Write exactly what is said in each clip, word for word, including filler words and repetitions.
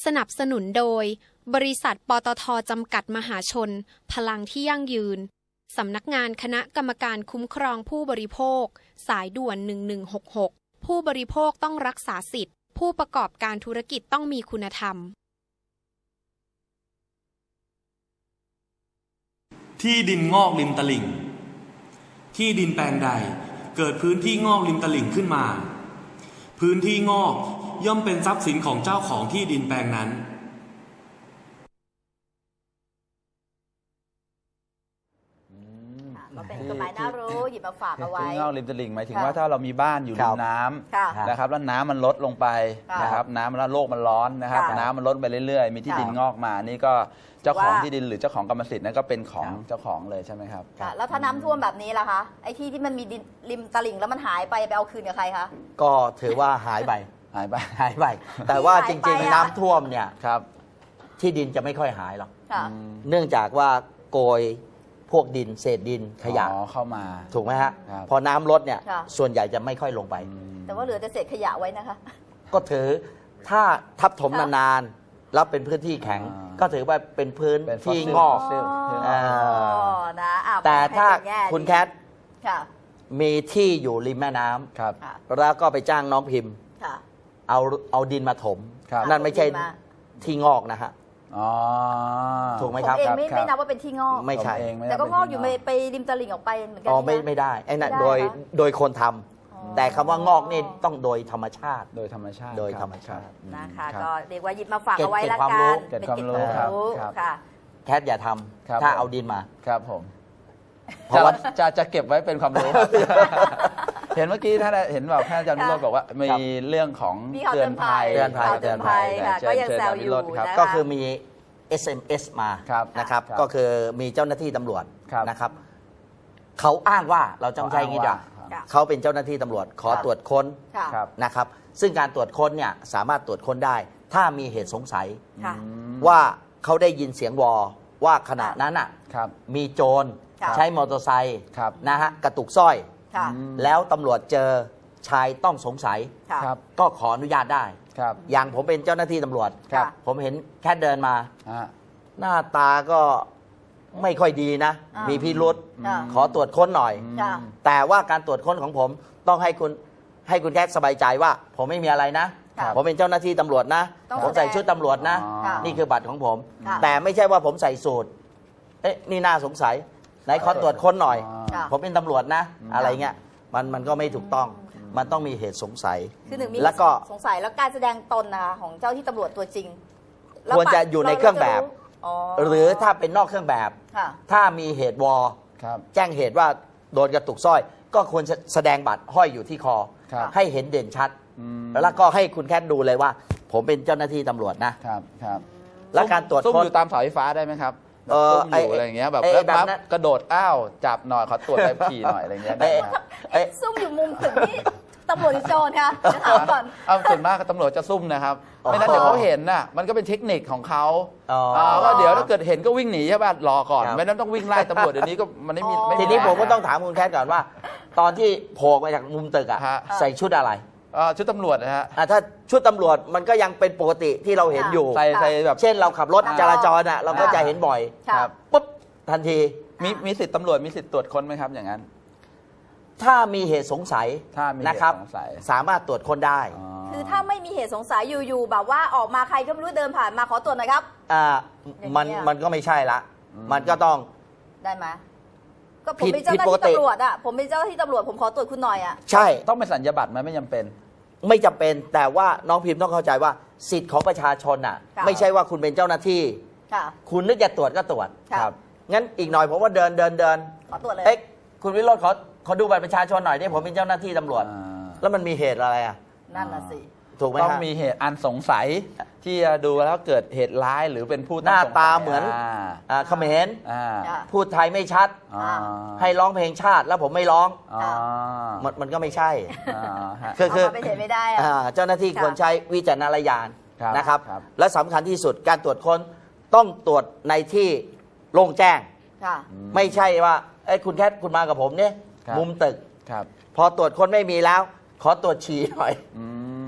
สนับสนุนโดยบริษัทปตท.จำกัดมหาชนพลังที่ยั่งยืนสำนักงานคณะกรรมการคุ้มครองผู้บริโภคสายด่วนหนึ่งหนึ่งหกหกผู้บริโภคต้องรักษาสิทธิ์ผู้ประกอบการธุรกิจต้องมีคุณธรรมที่ดินงอกริมตลิ่งที่ดินแปลงใดเกิดพื้นที่งอกริมตลิ่งขึ้นมาพื้นที่งอกย่อมเป็นทรัพย์สินของเจ้าของที่ดินแปลงนั้นก็เป็นกฎหมายน่ารู้หยิบมาฝากเอาไว้ที่งอกริมตลิ่งหมายถึงว่าถ้าเรามีบ้านอยู่ริมน้ำนะครับแล้วน้ำมันลดลงไปนะครับน้ำมันโลกมันร้อนนะครับน้ำมันลดไปเรื่อยๆมีที่ดินงอกมานี่ก็เจ้าของที่ดินหรือเจ้าของกรรมสิทธิ์นั่นก็เป็นของเจ้าของเลยใช่ไหมครับแล้วถ้าน้ำท่วมแบบนี้ล่ะคะไอ้ที่ที่มันมีดินริมตลิ่งแล้วมันหายไปไปเอาคืนกับใครคะก็ถือว่าหายไปหายไปหายไปแต่ว่าจริงๆน้ำท่วมเนี่ยครับที่ดินจะไม่ค่อยหายหรอกเนื่องจากว่าโกยพวกดินเศษดินขยะเข้ามาถูกไหมฮะพอน้ำลดเนี่ยส่วนใหญ่จะไม่ค่อยลงไปแต่ว่าเหลือแต่เศษขยะไว้นะคะก็ถือถ้าทับถมนานๆแล้วเป็นพื้นที่แข็งก็ถือว่าเป็นพื้นที่งอกแต่ถ้าคุณแคทมีที่อยู่ริมแม่น้ำแล้วก็ไปจ้างน้องพิมพ์เอาเอาดินมาถมนั่นไม่ใช่ที่งอกนะฮะถูกไหมครับผมเองไม่ไม่นับว่าเป็นที่งอกไม่ใช่แต่ก็งอกอยู่ไปริมตลิ่งออกไปเหมือนกันอ๋อไม่ไม่ได้ไอ้นั่นโดยโดยคนทำแต่คำว่างอกนี่ต้องโดยธรรมชาติโดยธรรมชาติโดยธรรมชาตินะคะก็เรียกว่าหยิบมาฝากเอาไว้ละกันเป็นความรู้ค่ะแคทอย่าทำถ้าเอาดินมาครับผมเพราะว่าจะจะเก็บไว้เป็นความรู้เห็นเมื่อกี้ท่านเห็นแบบท่านอาจารย์วิโรจน์บอกว่ามีเรื่องของเตือนภัยเตือนภัยเตือนภัยก็ยังแซวอยู่ก็คือมี เอส เอ็ม เอส มานะครับก็คือมีเจ้าหน้าที่ตำรวจนะครับเขาอ้างว่าเราจำใจงี้จ้ะเขาเป็นเจ้าหน้าที่ตำรวจขอตรวจค้นนะครับซึ่งการตรวจค้นเนี่ยสามารถตรวจค้นได้ถ้ามีเหตุสงสัยว่าเขาได้ยินเสียงวอว่าขณะนั้นอ่ะมีโจรใช้มอเตอร์ไซค์นะฮะกระตุกสร้อยแล้วตำรวจเจอชายต้องสงสัยก็ขออนุญาตได้อย่างผมเป็นเจ้าหน้าที่ตำรวจผมเห็นแค่เดินมาหน้าตาก็ไม่ค่อยดีนะมีพิรุธขอตรวจค้นหน่อยแต่ว่าการตรวจค้นของผมต้องให้คุณให้คุณแค่สบายใจว่าผมไม่มีอะไรนะผมเป็นเจ้าหน้าที่ตำรวจนะผมใส่ชุดตำรวจนะนี่คือบัตรของผมแต่ไม่ใช่ว่าผมใส่สูทเอ๊ะนี่น่าสงสัยไหนขอตรวจค้นหน่อยผมเป็นตำรวจนะอะไรเงี้ยมันมันก็ไม่ถูกต้องมันต้องมีเหตุสงสัยคือหนึ่งมีแล้วก็สงสัยแล้วการแสดงตนนะคะของเจ้าที่ตำรวจตัวจริงควรจะอยู่ในเครื่องแบบหรือถ้าเป็นนอกเครื่องแบบถ้ามีเหตุวอแจ้งเหตุว่าโดนกระตุกสร้อยก็ควรแสดงบัตรห้อยอยู่ที่คอให้เห็นเด่นชัดแล้วก็ให้คุณแคทดูเลยว่าผมเป็นเจ้าหน้าที่ตำรวจนะครับครับแล้วการตรวจค้นอยู่ตามเสาไฟฟ้าได้ไหมครับเอออยู่อะไรอย่างเงี้ยแบบแล้วปั๊บกระโดดอ้าวจับหน่อยขอตรวจใบขี่หน่อยอะไรเงี้ยซุ่มอยู่มุมตึกนี่ตำรวจโจรค่ะจะถามก่อนเอาส่วนมากตำรวจจะซุ่มนะครับไม่นั้นเดี๋ยวเขาเห็นน่ะมันก็เป็นเทคนิคของเขาว่าเดี๋ยวถ้าเกิดเห็นก็วิ่งหนีใช่ป่ะรอก่อนไม่นั้นต้องวิ่งไล่ตำรวจเดี๋ยวนี้ก็มันไม่มีทีนี้ผมก็ต้องถามคุณแคทก่อนว่าตอนที่โผล่มาจากมุมตึกอ่ะใส่ชุดอะไรชุดตำรวจนะฮะถ้าชุดตำรวจมันก็ยังเป็นปกติที่เราเห็นอยู่ใส่ใส่แบบเช่นเราขับรถจราจรอ่ะเราก็จะเห็นบ่อยปุ๊บทันทีมีมีสิทธิ์ตำรวจมีสิทธิ์ตรวจค้นไหมครับอย่างนั้นถ้ามีเหตุสงสัยนะครับสามารถตรวจค้นได้คือถ้าไม่มีเหตุสงสัยอยู่ๆแบบว่าออกมาใครก็ไม่รู้เดินผ่านมาขอตรวจหน่อยครับอ่ามันมันก็ไม่ใช่ละมันก็ต้องได้ไหมก็ผมเป็นเจ้าหน้าที่ตำรวจอ่ะผมเป็นเจ้าหน้าที่ตำรวจผมขอตรวจคุณหน่อยอ่ะใช่ต้องเป็นสัญญาบัตรไหมไม่จำเป็นไม่จำเป็นแต่ว่าน้องพิมพ์ต้องเข้าใจว่าสิทธิ์ของประชาชนอ่ะไม่ใช่ว่าคุณเป็นเจ้าหน้าที่คุณนึกจะตรวจก็ตรวจครับงั้นอีกหน่อยผมว่าเดินเดินเดินขอตรวจเลยเอ๊ะคุณวิโรจน์ขอขอดูบัตรประชาชนหน่อยนี่ผมเป็นเจ้าหน้าที่ตำรวจแล้วมันมีเหตุอะไรอ่ะนั่นน่ะสิถูกไหมต้องมีเหตุอันสงสัยที่จะดูแล้วเกิดเหตุร้ายหรือเป็นผู้หน้าตาเหมือนเขมรพูดไทยไม่ชัดให้ร้องเพลงชาติแล้วผมไม่ร้องมันมันก็ไม่ใช่คือคือเป็นเหตุไม่ได้เจ้าหน้าที่ควรใช้วิจารณญาณนะครับและสำคัญที่สุดการตรวจค้นต้องตรวจในที่โล่งแจ้งไม่ใช่ว่าไอ้คุณแคทคุณมากับผมเนี่ยมุมตึกพอตรวจค้นไม่มีแล้วขอตรวจฉี่หน่อย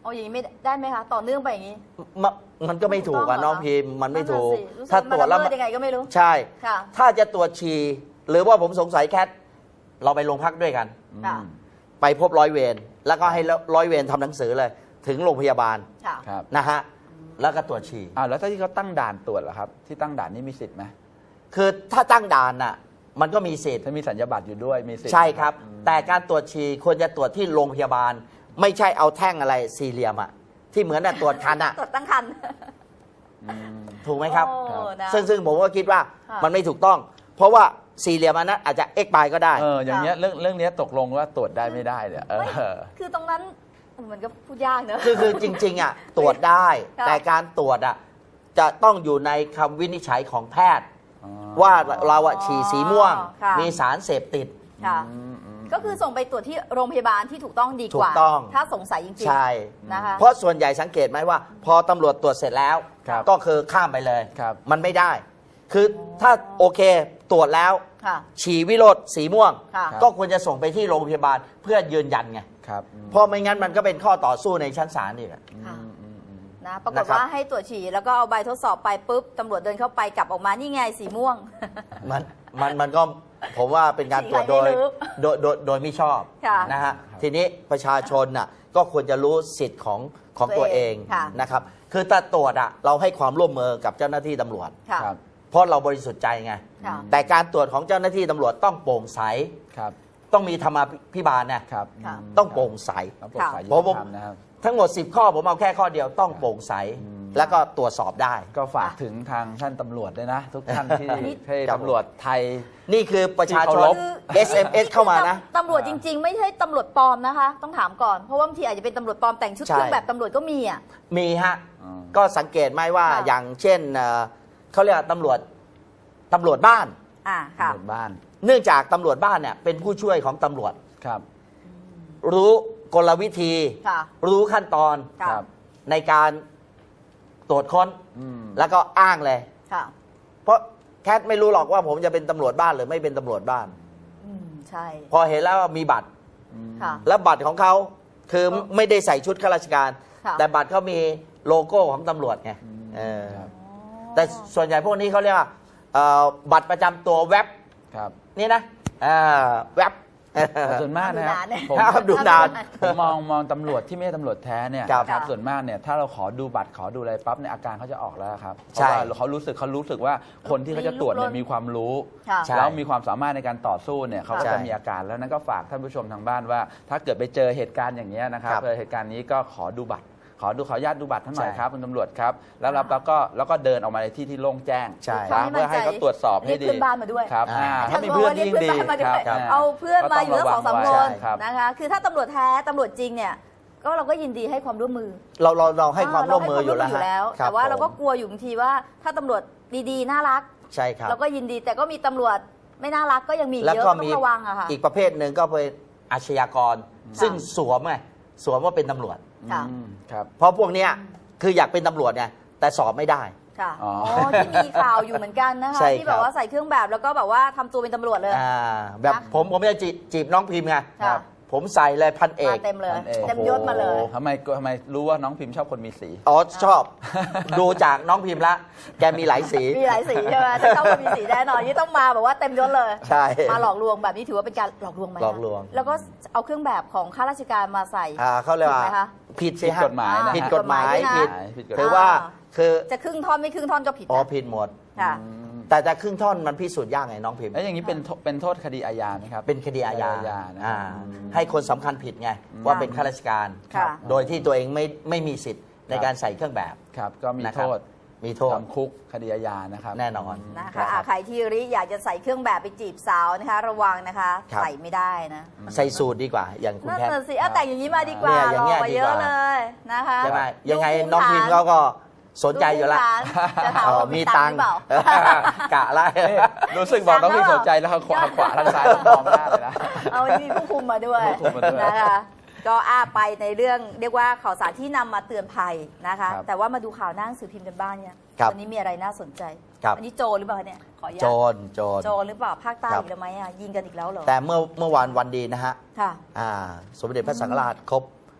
เอาอย่างนี้ไม่ได้ไหมคะต่อเนื่องไปอย่างนี้มะมันก็ไม่ถูกอะน้องพิมพ์มันไม่ถูกนั่นน่ะสิรู้สึกถ้าตรวจแล้วมันละเมิดยังไงก็ไม่รู้ใช่ค่ะถ้าจะตรวจฉี่หรือว่าผมสงสัยแคทเราไปโรงพักด้วยกันค่ะไปพบร้อยเวรแล้วก็ให้ร้อยเวรทำหนังสือเลย ถึงโรงพยาบาลค่ะครับนะฮะแล้วก็ตรวจฉี่อ้าวแล้วถ้าที่เขาตั้งด่านตรวจล่ะครับ ที่ตั้งด่านนี่มีสิทธิ์ไหมคือถ้าตั้งด่านน่ะมันก็มีสิทธิ์ถ้ามีสัญญาบัตรอยู่ด้วยมีสิทธิ์ใช่ครับ แต่การตรวจฉี่ควรจะตรวจที่โรงพยาบาล ไม่ใช่เอาแท่งอะไรสี่เหลี่ยมอะที่เหมือนน่ะตรวจคันอะตรวจตั้งคันอืมถูกไหมครับโอ้นะซึ่งซึ่งผมก็คิดว่าค่ะมันไม่ถูกต้อง เพราะว่าสี่เหลี่ยมอันนั้นอาจจะเอ็กปายก็ได้เอออย่างเงี้ยเรื่องเรื่องเนี้ยตกลงว่าตรวจได้ไม่ได้เนี่ยเอไม่อคือตรงนั้นมันก็พูดยากเนอะคือคือจริงๆอ่ะตรวจได้ค่ะแต่การตรวจอ่ะจะต้องอยู่ในคำวินิจฉัยของแพทย์อ๋อว่าเราอะฉี่สีม่วงค่ะมีสารเสพติดค่ะอืมอืมก็คือส่งไปตรวจที่โรงพยาบาลที่ถูกต้องดีกว่าถูกต้องถ้าสงสัยจริงๆใช่นะคะเพราะส่วนใหญ่สังเกตไหมว่า พอตำรวจตรวจเสร็จแล้วครับก็คือข้ามไปเลยครับมันไม่ได้ คือถ้าโอเคตรวจแล้วค่ะฉี่วิโรธสีม่วงค่ะก็ควรจะส่งไปที่โรงพยาบาลเพื่อยืนยันไงครับอืมเพราะไม่งั้นมันก็เป็นข้อต่อสู้ในชั้นศาลอีกอะค่ะอืมอืมอืมนะปรากฏนะครับว่าให้ตรวจฉี่แล้วก็เอาใบทดสอบไปปุ๊บตำรวจเดินเข้าไปกลับออกมานี่ไงสีม่วงมันมันมันก็ผมว่าเป็นการตรวจโดยใครไม่รู้โดยโดยโดยไม่ชอบค่ะนะฮะทีนี้ประชาชนน่ะก็ควรจะรู้สิทธิ์ของของตัตัว วเอเอง งค่ะนะครับคือถ้าตรวจอ่ะเราให้ความร่วมมือกับเจ้าหน้าที่ตำรวจค่ะครับเพราะเราบริสุทธิ์ใจไงค่ะแต่การตรวจของเจ้าหน้าที่ตำรวจต้องโปร่งใสครับต้องมีธรรมาภิบาลนะครับค่ะมต้องโปร่งใสต้องโปร่งใสยุผมติธรรมนะครับทั้งหมดสิบข้อผมเอาแค่ข้อเดียวต้องโปร่งใสอืมแล้วก็ตรวจสอบได้ก็ฝากถึงทางท่านตำรวจด้วยนะ ทุกท่านที่อันนี้ให้ครับตำรวจไทยนี่คือประชาชที่เคาน รพเอส เอ็ม เอส เข้ามานะตำรวจจริง ๆ ไม่ใช่ตำรวจปลอมนะคะ ต้องถามก่อนเพราะว่าบางทีอาจจะเป็นตำรวจปลอมแต่งชุดใช่เครื่องแบบตำรวจก็มีอ่ะมีฮะอืมก็สังเกตไหมว่าค่ะอย่างเช่นเอ่อเขาเรียกว่าตำรวจตำรวจบ้านอ่าค่ะตำรวจบ้านเนื่องจากตำรวจบ้านเนี่ยเป็นผู้ช่วยของตำรวจครับรู้กลวิธีค่ะรู้ขั้นตอนค่ะครับในการตรวจค้นอืมแล้วก็อ้างเลยค่ะเพราะแคทไม่รู้หรอกว่าผมจะเป็นตำรวจบ้านหรือไม่เป็นตำรวจบ้านอืมใช่พอเห็นแล้วว่ามีบัตรค่ะแล้วบัตรของเขาคือไม่ได้ใส่ชุดข้าราชการค่ะแต่บัตรเขามีโลโก้ของตำรวจไงเออครับแต่ส่วนใหญ่พวกนี้เขาเรียกว่าเอ่อบัตรประจำตัวเว็บครับนี่นะอ่าเว็บแต่ส่วนมากนะครับผมครับดูนานผมมองมองตำรวจที่ไม่ใช่ตำรวจแท้เนี่ยครับครับส่วนมากเนี่ยถ้าเราขอดูบัตรขอดูอะไรปั๊บเนี่ยอาการเขาจะออกแล้วครับเพใช่ราะว่าเขารู้สึกเขารู้สึกว่าคนที่เขาจะตรวจเนี่ยมีความรู้ค่ะใช่แล้วมีความสามารถในการต่อสู้เนี่ยเขาก็ใช่จะมีอาการแล้วนั่นก็ฝากท่านผู้ชมทางบ้านว่า ถ้าเกิดไปเจอเหตุการณ์อย่างนี้ยนะครับครับเจอเหตุการณ์นี้ก็ขอดูบัตร ขอดูขออนุญาตดูบัตรท่านหน่อยใช่ครับคุณตำรวจครับแล้วเราแล้วก็แล้วก็เดินออกมาในที่ที่โล่งแจ้งใช่นะเพื่อให้เขาตรวจสอบให้ดีเรียกเพื่อนบ้านมาด้วยครับอ่าอ่าถ้ามีเพื่อนยิ่งดีเรียกเพื่อนบ้านมาด้วยครับเอาเพื่อนมาอยู่ก็ทั้ต้งสองสามระควันไว้ครับนะคะ คือถ้าตำรวจแท้ตำรวจจริงเนี่ยก็เราก็ยินดีให้ความร่วมมือเราเราเราให้ความร่วมมืออยู่เาแล้วให้ความร่วมมืออยู่แล้วฮะคบแต่ว่าเราก็ผมกลัวอยู่บางทีว่าถ้าตำรวจดีๆน่ารักใช่ครับเราก็ยินดีแต่ก็มีตำรวจไม่น่ารักก็ยังมีแล้วเยอะก็ก็ต้อมีงระวังอะค่ะอีกประเภทหนึ่งก็เป็นอาชญากร ซึ่งสวมไงสวมว่าเป็นตำรวจค่ะอืมครับเพราะพวกเนี้ยคืออยากเป็นตำรวจไงแต่สอบไม่ได้ค่ะอ๋อ๋ออที่มีข่าวอยู่เหมือนกันนะคะใช่ที่คแบรับบว่าใส่เครื่องแบบแล้วก็แบบว่าทำตัวเป็นตำรวจเลยอ่าแบบนะผมผมจะจีจีบน้องพิมพ์ไงค่ะผมใส่เลยพันเอกมาเต็มเลยพันเอกเต็มยศมาเลยโอ้โหทำไมทำไมรู้ว่าน้องพิมพ์ชอบคนมีสีอ๋อชอบ ดูจากน้องพิมพ์ละแกมีหลายสีมีหลายสีใช่ไหมถ้าเข้ามามีสีแน่นอนนี่ต้องมาแบบว่าเต็มยศเลยใช่มาหลอกลวงแบบนี้ถือว่าเป็นการหลอกลวงไหมคะหลอกลวงแล้วก็เอาเครื่องแบบของข้าราชการมาใส่อ่าเขาเรียกว่าผิดไหมคะผิดสิผิดฮะกฎหมายนะผิดกฎหมายผิผิดดผิดกฎหมายคือว่าอ่าคือจะครึ่งท่อนไม่ครึ่งท่อนก็ผิดอ๋อนะผิดหมดค่ะอืมแต่แต่ครึ่งท่อนมันพิสูจน์ยากไงน้องพิมพ์แล้วอย่างนี้เป็นโทเป็นโทษคดีอาญาไหมครับเป็นคดีอาญาคดีอาญานะอ่าอืมให้คนสำคัญผิดไงว่าเป็นข้าราชการค่ะโดยที่ตัวเองไม่ไม่มีสิทธิ์ในการใส่เครื่องแบบครับก็มีนะคโทรับษมีโทษจำคุกคดีอาญานะครับแน่นอนนะคะอ่ะใครที่ริอยากจะใส่เครื่องแบบไปจีบสาวนะคะ ระวังนะคะครับใส่ไม่ได้นะใส่สูตรดีกว่า อย่างคุณนั่นแคทน่ะสิอ่ะแต่งอย่างนี้มาดีกว่าเนี่ยอหย่าล่งเงี้อย กว่าดีเยกอะว่าเลยนะคะใช่ไหมยังไงดูภูมิน้องพิมพ์ฐานเขาก็สนใจอยู่แล้วดูภูมิฐานจะถามว่ามีตังค์หรือเปล่ากะละนี่รู้สึกบอกน้องพิมพ์สนใจแล้วทางขวาทางขวาทางซ้ายมองหน้าเลยนะเอามีผู้คุมมาด้วยผู้คุมมาด้วยนะคะก็อ้าไปในเรื่องเรียกว่าข่าวสารที่นำมาเตือนภัยนะคะครับแต่ว่ามาดูข่าวหน้าหนังสือพิมพ์กันบ้างเนี่ยครับวันนี้มีอะไรน่าสนใจครับอันนี้โจรหรือเปล่าเนี่ยขออนุญาโจตรโจรโจรหรือเปล่าภาคใต้ครับอีกแล้วไหมอ่ะยิงกันอีกแล้วเหรอแต่เมื่อเมื่อวานวันดีนะฮะค่ะอ่าสมเด็จพระสังฆราชครบ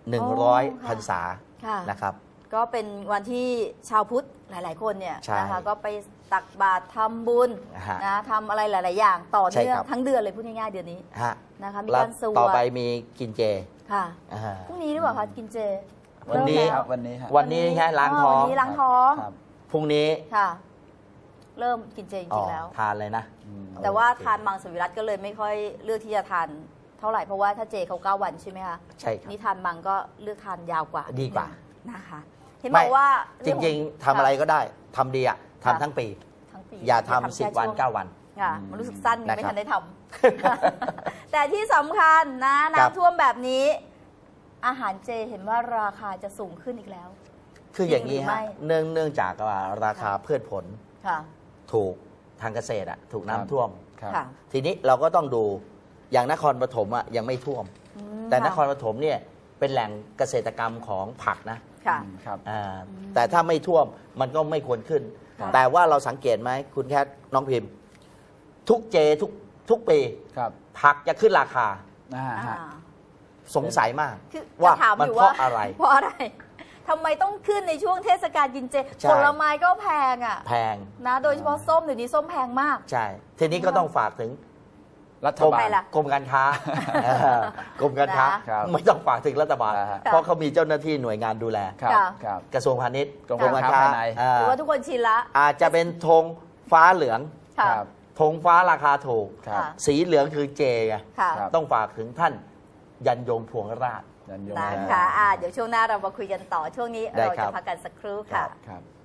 หนึ่งร้อยค่ะพรรษาค่ะนะครับก็เป็นวันที่ชาวพุทธหลาย ๆ คนเนี่ยใช่นะคะก็ไปตักบาตรทำบุญฮะนะทำอะไรหลาย ๆ อย่างต่อใช่เนื่องครับทั้งเดือนเลยพูดง่าย ๆ เดือนนี้ฮะนะคะมีแล้วการสวต่อดไปมีกินเจค่ะอ่าพรุ่งนี้หรือเปล่าคะกินเจวันนี้เริ่มคแล้รับวันนี้ฮะวันนี้แค่ล้างท้องวันนี้ล้างท้องครับพรุ่งนี้ค่ะ เริ่มกินเจจอ๋อริง ๆ แล้วทานเลยนะอืมแต่ว่าโอเคทานมังสวิรัตก็เลยไม่ค่อยเลือกที่จะทานเท่าไหร่เพราะว่าถ้าเจเขาเก้าวันใช่ไหมคะใช่ครับนี่ทานมังก็เลือกทานยาวกว่าดีกว่านะคะ เห็นบอกว่าจริง ๆทำอะไรก็ได้ทำดีอะทำทั้งปีทั้งปีอย่าไม่ทำสิบแค่วันช่งเก้าวันค่ะมันรู้สึกสั้นนะครับไม่ทันได้ทำ แต่ที่สำคัญนะครับน้ำท่วมแบบนี้ อาหารเจเห็นว่าราคาจะสูงขึ้นอีกแล้วคืออย่างนี้จริงหรือไม่ฮะเนื่องเนื่องจากว่าราคาพืชผลค่ะถูกทางเกษตรอะถูกน้ำท่วมครับค่ะทีนี้เราก็ต้องดูอย่างนครปฐมอะยังไม่ท่วมอืมแต่นครค่ะปฐมเนี่ยเป็นแหล่งเกษตรกรรมของผักนะค่ะอืมครับอ่าแต่ถ้าไม่ท่วมมันก็ไม่ควรขึ้นค่ะแต่ว่าเราสังเกตไหมคุณแคทน้องพิมพ์ ทุกเจทุกทุกปีครับผักจะขึ้นราคาอ่าอ่าฮะสงสัยมากคือว่าจะถามมันอยู่เพว่าราะอะไรเพราะอะไรทำไมต้องขึ้นในช่วงเทศกาลกินเจใช่ผลไม้ก็แพงอ่ะแพงนะ โดยเฉพาะส้มเดี๋ยวนี้ส้มแพงมากใช่ ทีนี้ก็ต้องฝากถึงรัฐกรมบาใครลล่ะกรมการค้า เออกรมการค้าครับไม่ต้องฝากถึงรัฐบาลอ่าฮะเพราะเขามีเจ้าหน้าที่หน่วยงานดูแลครับค่ะครับกระทรวงพาณิชย์กรมการค้าภายในอ่าหรือว่าทุกคนชินละอาจจะเป็นธงฟ้าเหลืองค่ะครับธงฟ้าราคาถูกครับค่ะสีเหลืองคือเจไงค่ะครับต้องฝากถึงท่านยันยงพวงราชยันยงนะคะอ่าเดี๋ยวช่วงหน้าเรามาคุยกันต่อ ช่วงนี้ได้เราครัจะบพักกันสักครู่ครัค่ะบครับ